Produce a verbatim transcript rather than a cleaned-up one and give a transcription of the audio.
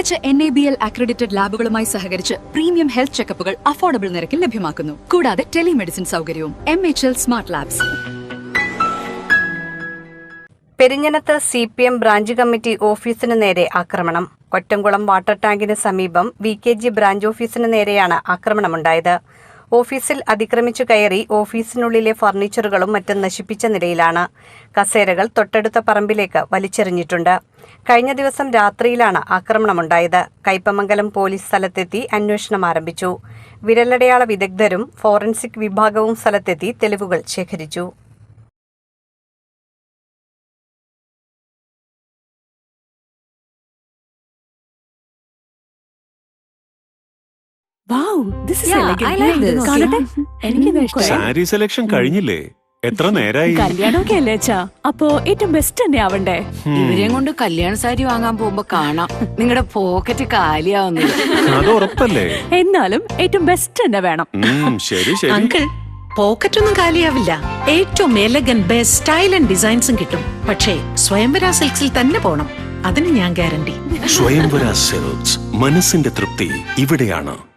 മികച്ച N A B L accredited ലാബുകളുമായി സഹകരിച്ച് പ്രീമിയം ഹെൽത്ത് ചെക്കപ്പുകൾ അഫോർഡബിൾ നിരക്കിൽ ലഭ്യമാക്കുന്നു. കൂടാതെ ടെലിമെഡിസിൻ സൗകര്യവും. M H L smart labs. പെരിഞ്ഞനത്ത് C P M branch committee ഓഫീസിന് നേരെ ആക്രമണം. കൊറ്റംകുളം വാട്ടർ ടാങ്കിന് സമീപം വി കെ ജി ബ്രാഞ്ച് ഓഫീസിന് നേരെയാണ് ആക്രമണമുണ്ടായത്. ഓഫീസിൽ അതിക്രമിച്ചു കയറി ഓഫീസിനുള്ളിലെ ഫർണിച്ചറുകളും മറ്റും നശിപ്പിച്ച നിലയിലാണ്. കസേരകൾ തൊട്ടടുത്ത പറമ്പിലേക്ക് വലിച്ചെറിഞ്ഞിട്ടുണ്ട്. കഴിഞ്ഞ ദിവസം രാത്രിയിലാണ് ആക്രമണമുണ്ടായത്. കയ്പമംഗലം പോലീസ് സ്ഥലത്തെത്തി അന്വേഷണം ആരംഭിച്ചു. വിരലടയാള വിദഗ്ധരും ഫോറൻസിക് വിഭാഗവും സ്ഥലത്തെത്തി തെളിവുകൾ ശേഖരിച്ചു. സാരി സെലക്ഷൻ കഴിഞ്ഞില്ലേ? എത്ര നേരായി? കല്യാണമൊക്കെ അല്ലേ അച്ഛാ, അപ്പോ ഏറ്റവും ബെസ്റ്റ് തന്നെ ആവണ്ടേ? ഇവരെയും കൊണ്ട് കല്യാണ സാരി വാങ്ങാൻ പോകുമ്പോ കാണാം നിങ്ങളുടെ പോക്കറ്റ് കാലിയാവുന്നത്. അത് ഉറപ്പല്ലേ? എന്നാലും ഏറ്റവും ബെസ്റ്റ് തന്നെ വേണം. ശരി ശരി അങ്കിൾ, പോക്കറ്റ് ഒന്നും കാലിയാവില്ല. ഏറ്റവും എലഗൻ ബെസ്റ്റ് സ്റ്റൈൽ ആൻഡ് ഡിസൈൻസും കിട്ടും. പക്ഷേ സ്വയംവര സിൽക്സിൽ തന്നെ പോണം, അതിന് ഞാൻ ഗ്യാരണ്ടി. സ്വയംവര സിൽക്സ്, മനസ്സിന്റെ തൃപ്തി ഇവിടെയാണ്.